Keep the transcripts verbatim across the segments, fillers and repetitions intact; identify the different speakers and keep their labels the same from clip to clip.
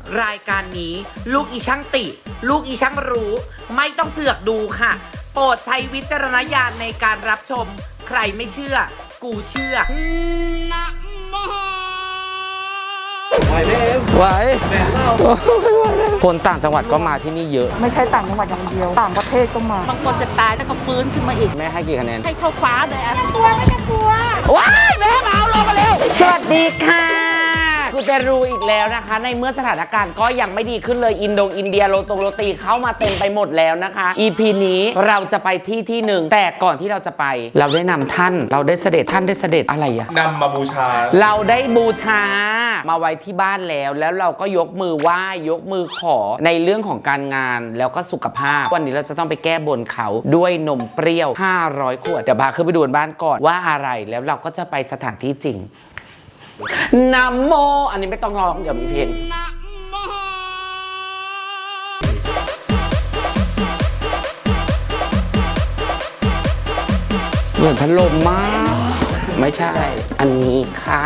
Speaker 1: รายการนี้ลูกอีช่างติ ลูกอีช่างรู้ไม่ต้องเสือกดูค่ะโปรดใช้วิจารณญาณในการรับชมใครไม่เชื่อกูเชื่อนะโม
Speaker 2: ไหวไหมเอ็มไหวแม่เล่าคนต่างจังหวัดก็มาที่นี่เยอะ
Speaker 3: ไม่ใช่ต่างจังหวัดอย่างเดียวต่างประเทศก็มา
Speaker 4: บางคนจะตายแล้วก็ฟื้นขึ้นมาอีก
Speaker 2: แม่ให้กี่คะแนน
Speaker 4: ให้เท่าฟ้าเลยอ่ะ
Speaker 3: ไม่กลัวไม่กลัว
Speaker 1: ว้ายแม่มาเอาลงมาเร็วสวัสดีค่ะกูจะรู้อีกแล้วนะคะในเมื่อสถานการณ์ก็ยังไม่ดีขึ้นเลยอินโดอินเดียโรตงโรตีเข้ามาเต็มไปหมดแล้วนะคะ อี พี นี้เราจะไปที่ที่หนึ่งแต่ก่อนที่เราจะไปเราได้นำท่านเราได้เสด็จท่านได้เสด็จอะไรอะ
Speaker 5: นำมาบูชา
Speaker 1: เราได้บูชามาไว้ที่บ้านแล้วแล้วเราก็ยกมือไหว้ยกมือขอในเรื่องของการงานแล้วก็สุขภาพวันนี้เราจะต้องไปแก้บนเขาด้วยนมเปรี้ยวห้าร้อยขวดเดี๋ยวพาขึ้นไปดูบ้านก่อนว่าอะไรแล้วเราก็จะไปสถานที่จริงนะโมอันนี้ไม่ต้องร้องเดี๋ยวมีเพลงเหมือนพัดลมมากไม่ใช่อันนี้ค่ะ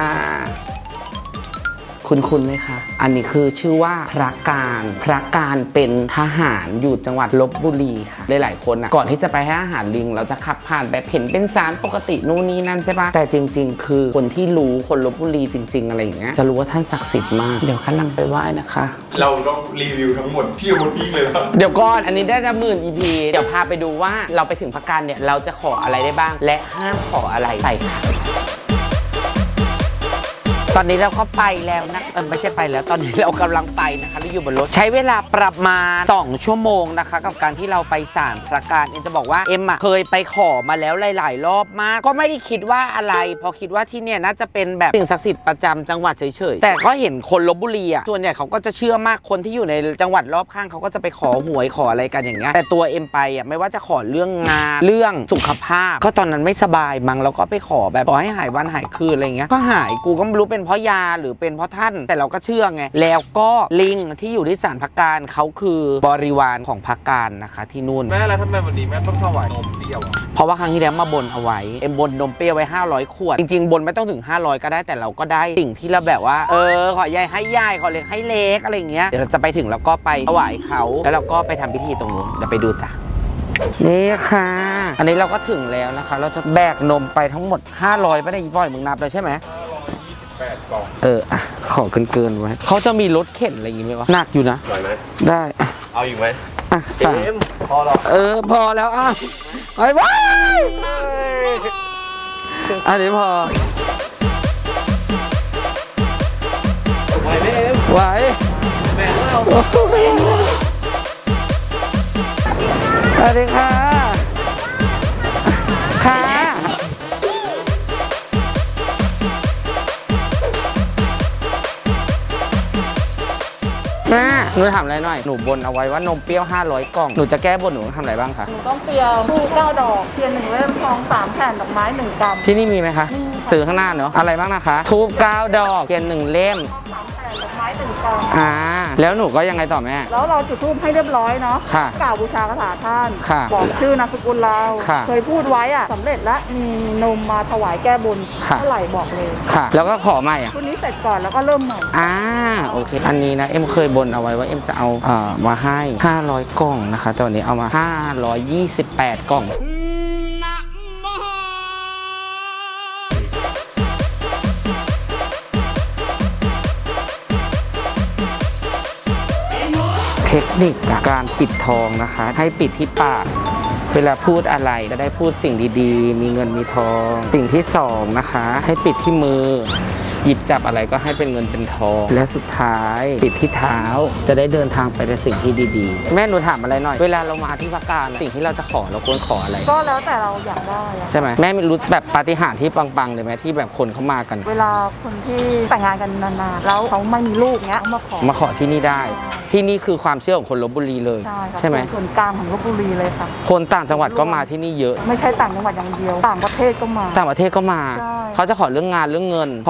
Speaker 1: คุณคุณไหมคะอันนี้คือชื่อว่าพระการพระการเป็นทหารอยู่จังหวัดลพบุรีค่ะหลายๆคนอ่ะก่อนที่จะไปให้อาหารลิงเราจะขับผ่านแบบเห็นเป็นสารปกตินู่นนี่นั่นใช่ปะแต่จริงๆคือคนที่รู้คนลพบุรีจริงๆอะไรอย่างเงี้ยจะรู้ว่าท่านศักดิ์สิทธิ์มากเดี๋ยวขั้นนำไปไหว้นะคะ
Speaker 5: เราต้องรีวิวทั้งหมดที่หมดอีกเลยครับ
Speaker 1: เดี๋ยวก่อนอันนี้ได้จะหมื่น อี พี เดี๋ยวพาไปดูว่าเราไปถึงพระการเนี่ยเราจะขออะไรได้บ้างและห้ามขออะไรไปค่ะตอนนี้เราก็ไปแล้วนะเออไม่ใช่ไปแล้วตอนนี้เรากำลังไปนะคะเราอยู่บนรถใช้เวลาประมาณสองชั่วโมงนะคะกับการที่เราไปศาลพระการเอ็มจะบอกว่าเอ็มอ่ะเคยไปขอมาแล้วหลายๆรอบมากก็ไม่ได้คิดว่าอะไรเพราะคิดว่าที่เนี่ยน่าจะเป็นแบบสิ่งศักดิ์สิทธิ์ประจำจังหวัดเฉยๆแต่ก็เห็นคนลพบุรีอ่ะส่วนใหญ่เขาก็จะเชื่อมากคนที่อยู่ในจังหวัดรอบข้างเขาก็จะไปขอหวยขออะไรกันอย่างเงี้ยแต่ตัวเอ็มไปอ่ะไม่ว่าจะขอเรื่องงานเรื่องสุขภาพก็ตอนนั้นไม่สบายมั้งแล้วก็ไปขอแบบขอให้หายวันหายคืนอะไรเงี้ยก็หายกูก็ไม่รู้เป็นเพราะยาหรือเป็นเพราะท่านแต่เราก็เชื่อไงแล้วก็ลิงที่อยู่ที่ศาลพระการเขาคือบริวารของพระการนะคะที่นู่น
Speaker 5: แม่แล้วทำไมวันนี้แม่ต้องถวายนมเปรี้ยว
Speaker 1: เพราะว่าครั้งที่แล้วมาบนเอาไว้เอ็มบนนมเปรี้ยวไว้ห้าร้อยขวดจริงๆบนไม่ต้องถึงห้าร้อยก็ได้แต่เราก็ได้สิ่งที่เราแบบว่าเออขอใหญ่ให้ใหญ่ขอเล็กให้เล็กอะไรเงี้ยเดี๋ยวเราจะไปถึงแล้วก็ไปถวายเขาแล้วเราก็ไปทำพิธีตรงนู้นเดี๋ยวไปดูจ้ะนี่ค่ะอันนี้เราก็ถึงแล้วนะคะเราจะแบกนมไปทั้งหมดห้าร้อยไม่ได้บ่อยมึงนับเลยใช่ไหม
Speaker 5: แปดกล่อง
Speaker 1: เอออ่ะขอเกินๆไว้เขาจะมีรถเข็นอะไรอย่างงี้ไหมวะหนักอยู่นะ
Speaker 5: ไหวไหม
Speaker 1: ได้
Speaker 5: เอาอีกไหม
Speaker 1: อ่ะสาม
Speaker 5: พอหรอ
Speaker 1: เออพอแล้วอ่ะไปไว้อันนี้พอ
Speaker 5: ไหวไหมเอ็ม
Speaker 1: ไหว
Speaker 5: แม่เล่า
Speaker 1: สวัสดีค่ะค่ะแม่หนูถามอะไรหน่อยหนูบนเอาไว้ว่านมเปรี้ยวห้าร้อยกล่องหนูจะแก้บนหนูต้องทำอะไรบ้างคะ
Speaker 3: หนูต้องเตรียมทูบเก้าดอกเทียนหนึ่งเล่มทองสามแผ่นดอกไม้หนึ่งกำ
Speaker 1: ที่นี่มีไหมคะซื้อข้างหน้าเนาะอะไรบ้างนะคะทูบเก้าดอกเทียนหนึ่งเล่ม
Speaker 3: ดอกไม้หนึ่งกำ
Speaker 1: อ่าแล้วหนูก็ยังไงต่อแม่
Speaker 3: แล้วเราจุดธูปให้เรียบร้อยเนาะ
Speaker 1: ค่ะ
Speaker 3: กล่าวบูชาคาถาท่าน
Speaker 1: ค่ะ
Speaker 3: บอกชื่อนามสกุลเรา
Speaker 1: ค่ะ
Speaker 3: เคยพูดไว้อ่ะสำเร็จแล้วมีนมมาถวายแก้บนเท่าไหร่บอกเลย
Speaker 1: ค่ะแล้วก็ขอใหม่อ่ะ
Speaker 3: ชุดนี้เสร็จก่อนแล้วก็เริ่มใหม่
Speaker 1: อ่าโอเคอันนี้นะเอ็มเคยบนเอาไว้ว่าเอ็มจะเอาเอ่อมาให้ห้าร้อยกล่องนะคะตอนนี้เอามาห้าร้อยยี่สิบแปดกล่องเทคนิคการปิดทองนะคะให้ปิดที่ปากเวลาพูดอะไรจะได้พูดสิ่งดีๆมีเงินมีทองสิ่งที่สองนะคะให้ปิดที่มือหยิบจับอะไรก็ให้เป็นเงินเป็นทองและสุดท้ายปิดที่เท้าจะได้เดินทางไปในสิ่งที่ดีๆแม่หนูถามอะไรหน่อยเวลาเรามาที่พระการสิ่งที่เราจะขอเราควรขออะไร
Speaker 3: ก็แล้วแต่เราอยากได้
Speaker 1: ใช่ไหมแม่ไม่รู้แบบปาฏิหาริย์ที่ปังๆเลยไหมที่แบบคนเขามากัน
Speaker 3: เวลาคนที่แต่งงานกันนานๆแล้วเขาไม่มีลูกเงี้ยเขามาขอ
Speaker 1: มาขอที่นี่ได้ที่นี่คือความเชื่อของคนลพบุรีเลยใช่ไหม
Speaker 3: ส่วนกลางของลพบุรีเลยค่ะ
Speaker 1: คนต่างจังหวัดก็มาที่นี่เยอะ
Speaker 3: ไม่ใช่ต่างจังหวัดอย่างเดียวต่างประเทศก็มา
Speaker 1: ต่างประเทศก็มาเขาจะขอเรื่องงานเรื่องเงินขอลูก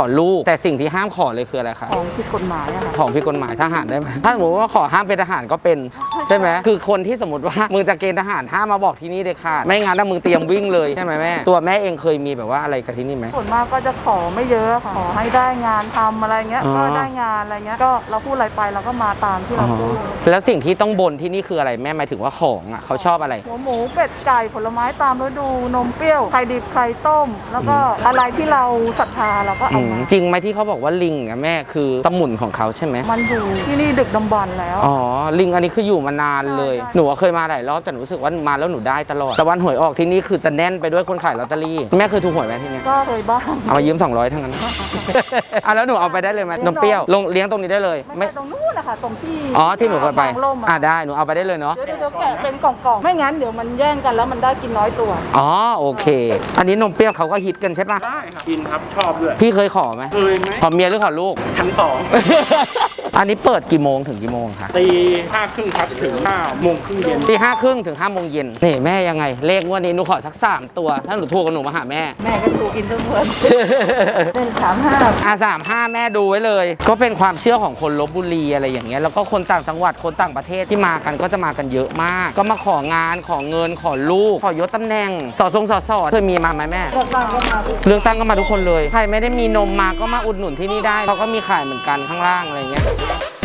Speaker 2: แต่สิ่งที่ห้ามขอเลยคืออะไรคะ
Speaker 3: ของผิดกฎหมายอะค่ะ
Speaker 2: ของผิดกฎหมายทหารได้ไหมถ้าสมมติว่าขอห้ามเป็นทหารก็เป็นใช่ไหมคือคนที่สมมติว่ามึงจะเกณฑ์ทหารห้ามมาบอกที่นี่เด็ดขาดไม่งั้นถ้ามึงเตรียมวิ่งเลยใช่ไหมแม่ตัวแม่เองเคยมีแบบว่าอะไรกับที่นี่ไหม
Speaker 3: ส่วนมากก็จะขอไม่เยอะค่ะขอให้ได้งานทำอะไรเงี้ย
Speaker 2: อ๋อ
Speaker 3: ก็ได้งานอะไรเงี้ยก็เราพูดอะไรไปเราก็มาตามที่เราพูด
Speaker 2: แล้วสิ่งที่ต้องบนที่นี่คืออะไรแม่หมายถึงว่าของอ่ะเขาชอบอะไร
Speaker 3: หัวหมูเป็ดไก่ผลไม้ตามฤดูนมเปรี้ยวไข่ดิบไข่ต้ม แล้วก็อะไรที่เราศรัทธาเราก็
Speaker 2: อื
Speaker 3: เอา
Speaker 2: ม
Speaker 3: มา
Speaker 2: จริงไหมที่เขาบอกว่าลิงอ่ะแม่คือตะหมุนของเขาใช่ไหม
Speaker 3: มันอยู่ที่นี่ดึกดำบรรพ์แล้ว
Speaker 2: อ๋อลิงอันนี้คืออยู่มานานเลย
Speaker 3: ใช่ใช่
Speaker 2: หนูเคยมาหลายรอบแต่หนูรู้สึกว่ามาแล้วหนูได้ตลอดแต่วันหวยออกที่นี่คือจะแน่นไปด้วยคนขายลอตเตอรี่แม่เคยถูกหวยไหมที่เนี่ย
Speaker 3: ก็เคยบ้าง
Speaker 2: เอามายืมสองร้อยทั้งนั้น อ่ะแล้วหนูเอาไปได้เลยไหมนมเปรี้ยวลงเลี้ยงตรงนี้ได้เลย
Speaker 3: ไม่ใช่ตรงนู้นนะคะตรงที่
Speaker 2: อ๋อที่หนูเคยไป
Speaker 3: ทางร่ม
Speaker 2: อ่ะได้หนูเอาไปได้เลยเนาะ
Speaker 3: เดี๋ยวเดี๋ยวแกะเป็นกล่องๆไม่งั้นเดี๋ยวมันแย่งกันแล้วมันได้กินน้อยตัว
Speaker 2: อ๋อโอเค อันนี้นมเปรี้ยวเขาก็ฮิตกันใช่ปะ
Speaker 5: ได้ครับกินครับชอบด้วย
Speaker 2: พี่เคยขอไหม
Speaker 5: เคยไหม
Speaker 2: ขอเมียหรือขอลูก
Speaker 5: ชั้นสอง
Speaker 2: อันนี้เปิดกี่โมงถึงกี่โมงคะ
Speaker 5: ตีห้าครึ่งครับถึงห้าโมงครึ่งเย็น
Speaker 2: ตีห้าครึ่งถึงห้าโมงเย็นนี่แม่ยังไง เลขงวดนี้หนูขอทักสามตัว ถ้าหนูถูกกับหนูมาหาแม่
Speaker 3: แม่ก็ถูกอินทุกคนเป็นสามห้า
Speaker 2: อาสามห้าแม่ดูไว้เลย ก็เป็นความเชื่อของคนลบบุรีอะไรอย่างเงี้ยแล้วก็คนต่างจังหวัดคนต่างประเทศที่มากันก็จะมากันเยอะมาก ก็มาของานขอเงินขอลูกขอยศตำแหน่งสอทรงสอสอเคยมีมาไหมแม่
Speaker 3: เลือกตั้งก็มาทุก
Speaker 2: เลือกตั้งก็มาทุกคนเลยใครไม่ได้มีนมมาก็มาอุดหนุนที่นี่ได้เขาก็มีขายเหมือนกันข้างล่างอะไรเงี้ย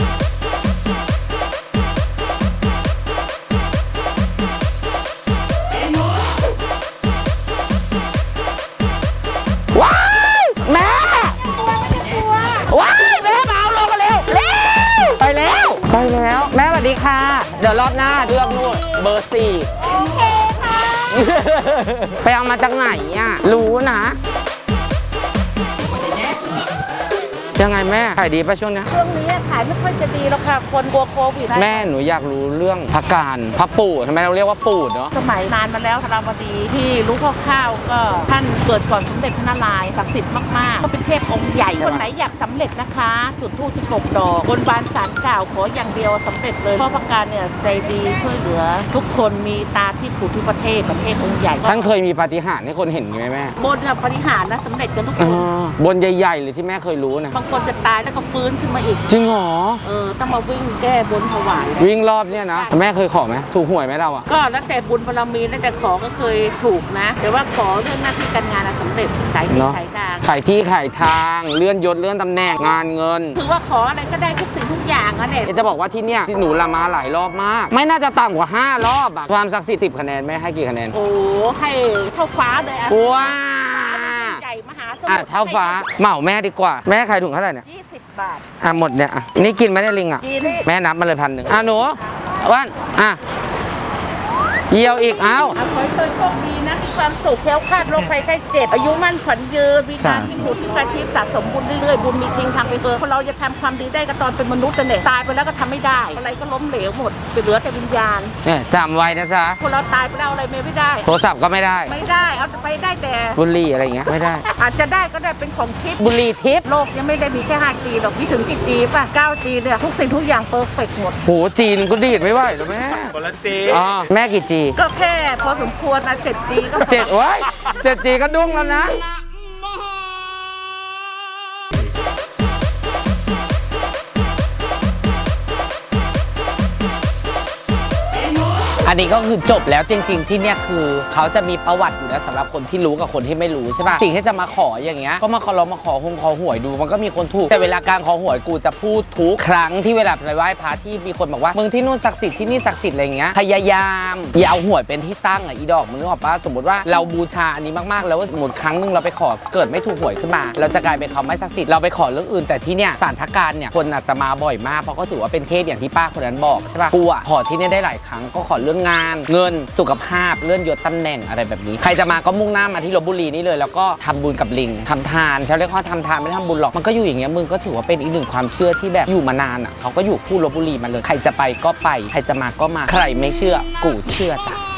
Speaker 2: ว้ายแม่ว้ายแม่มาเอาลงกันเร็วเร็วไปแล้วไปแล้วแม่สวัสดีค่ะ เดี๋ยวรอบหน้าเลือกนู่นเบอร์สี่โอเคค่ะ ไปเอามาจากไหนอ่ะรู้นะยังไงแม่ขายดีป่ะช่วงนี้
Speaker 4: ช่วงนี้ขายไม่ค่อยจะดีแล้วค่ะ คนกลัวโควิด
Speaker 2: แม่หนูอยากรู้เรื่องพระการพระปู่ทำไมเราเรียกว่าปู่เนาะ
Speaker 4: สมัยนานมาแล้วธาราวดีที่รู้คร่าวๆก็ท่านเกิดก่อนสมเด็จพระนารายณ์ศักดิ์สิทธิ์มากๆ ก็เป็นเทพองค์ใหญ่ คนไหนอยากสำเร็จนะคะ จุดธูปสิบหกดอกบนบานศาลกล่าวขออย่างเดียวสำเร็จเลยเพราะพระการเนี่ยใจดีช่วยเหลือ ทุกคนมีตาที่ผูกที่ประเทศประเทศองค์ใหญ่
Speaker 2: ท่านเคยมีปาฏิหาริย์ให้คนเห็นไหมแม่
Speaker 4: บนน่ะปฏิหารย์นะสำเร็จกันทุกค
Speaker 2: อ๋อน บนใหญ่ๆหรือที่แม่เคยรู้นะ
Speaker 4: บางคนจะตายแล้วก็ฟื้นขึ้นมาอีก
Speaker 2: จริงเหรอ
Speaker 4: เออต้องมาวิ่งแก้บนถวาย
Speaker 2: วิ่งรอบเนี่ยนะแม่เคยขอไหมถูกหวยไหมเราอะ
Speaker 4: ก็แล้วแต่บุญบารมีแล้วแต่ขอก็เคยถูกนะ แต่ว่าขอเรื่องหน้าที่การงานอะสำเร็จขายที่
Speaker 2: เนาะ
Speaker 4: ขายทาง
Speaker 2: ขายที่ขายทางเลื่อนยศเลื่อนตำแหน่งงานเงิน
Speaker 4: คือว่าขออะไรก็ได้ทุกสิ่งทุกอย่างอะเนี่ย
Speaker 2: จะบอกว่าที่เนี่ยที่หนูละมาหลายรอบมาก ไม่น่าจะต่ำกว่าห้ารอบอะความศักดิ์สิทธิ์สิบคะแนนแม่ให้กี่คะแนน
Speaker 4: โอ้ให้เท่าฟ้าเลยอะ
Speaker 2: ว้า
Speaker 4: ใหญ่มหาส
Speaker 2: อ่ะ
Speaker 4: มุทร
Speaker 2: เท่าฟ้าเหมาแม่ดีกว่าแม่ขายถุงเท่าไหร่เนี่ย
Speaker 4: ยี่สิบบาท
Speaker 2: อ่ะหมดเนี่ยอ่ะนี่กินไหมได้ลิงอ่ะ
Speaker 4: กิน
Speaker 2: แม่นับมาเลยพันหนึ่งอ่ะหนูอ้วันอ่ะเยี่ยวอีกเอ้า
Speaker 4: เอาขอให้เธอโชคดีนะมีความสุขแคล้วคลาดโรคภัยไข้เจ็บอายุมั่นขวัญยืนมีงานที่ผุดที่กระทิบสะสมบุญเรื่อยๆบุญมีจริงทำไปเถอะคนเราจะทำความดีได้ก็ตอนเป็นมนุษย์แต่เนี่ยตายไปแล้วก็ทำไม่ได้ อะไรก็ล้มเหลวหมดไปเหลือแต่วิญญาณ
Speaker 2: เนี่ยจำไว้นะจ๊ะ
Speaker 4: คนเราตายไปแล้วอะไรไม่ได้
Speaker 2: โทรศัพท์ก็ไม่ได้
Speaker 4: ไม่ได้เอาไปได้แต่
Speaker 2: บุหรี่อะไรอย่างเงี้ยไม่ได้
Speaker 4: อาจจะได้ก็ได้เป็นของทิพย์
Speaker 2: บุหรี่ทิพย์
Speaker 4: โลกยังไม่ได้มีแค่ ห้าจี หรอกมีถึงกี่จีป่ะ เก้าจี เนี่ย ทุกสิ่งทุกอย่างเพอร์เฟกต์หมด
Speaker 2: โหจีนก็ดีดไม่ไหวหรอแม่
Speaker 5: คนละเจ
Speaker 2: อ๋อแม่กี่จี
Speaker 4: ก็แค่พอสมควรนะเจ็ดจีก็พอ
Speaker 2: เจ็ดโอ้ยเจ็ดจีก็ดุ้งแล้วนะ อันนี้ก็คือจบแล้วจริง ๆ ที่เนี่ยคือเขาจะมีประวัติอยู่แล้วสำหรับคนที่รู้กับคนที่ไม่รู้ใช่ป่ะสิ่งที่จะมาขออย่างเงี้ยก็มาขอลองมาขอหงขอหวยดูมันก็มีคนถูกแต่เวลาการขอหวยกูจะพูดทุกครั้งที่เวลาไปไหว้พระที่มีคนบอกว่ามึงที่นู่นศักดิ์สิทธิ์ที่นี่ศักดิ์สิทธิ์อะไรเงี้ยพยายามอย่าเอาหวยเป็นที่ตั้งอ่ะอีดอกมึงนึกออกปะสมมติว่าเราบูชาอันนี้มากๆแล้วสมมติครั้งหนึงเราไปขอเกิดไม่ถูกหวยขึ้นมา เราจะกลายเป็นเขาไม่ศักดิ์สิทธิ์เราไปขอเรื่องอื่นแต่ที่เนี่ยศาลพระการเนี่ยคนอาจจะมาบ่อยมากเพราะก็ถือว่าเป็นเทพอย่างที่ป้าคนนั้นบอกใช่ป่ะกูอ่ะขอที่เนี่ยได้หลายครั้งก็ขอเรื่องงานเงินสุขภาพเลื่อนยศตำแหน่งอะไรแบบนี้ใครจะมาก็มุ่งหน้ามาที่ลพบุรีนี่เลยแล้วก็ทำบุญกับลิงทำทานชาวเรียกว่าทำทานไม่ได้ทำบุญหรอกมันก็อยู่อย่างเงี้ยมึงก็ถือว่าเป็นอีกหนึ่งความเชื่อที่แบบอยู่มานานอ่ะเขาก็อยู่คู่ลพบุรีมาเลยใครจะไปก็ไปใครจะมาก็มาใครไม่เชื่อกูเชื่อจ้ะ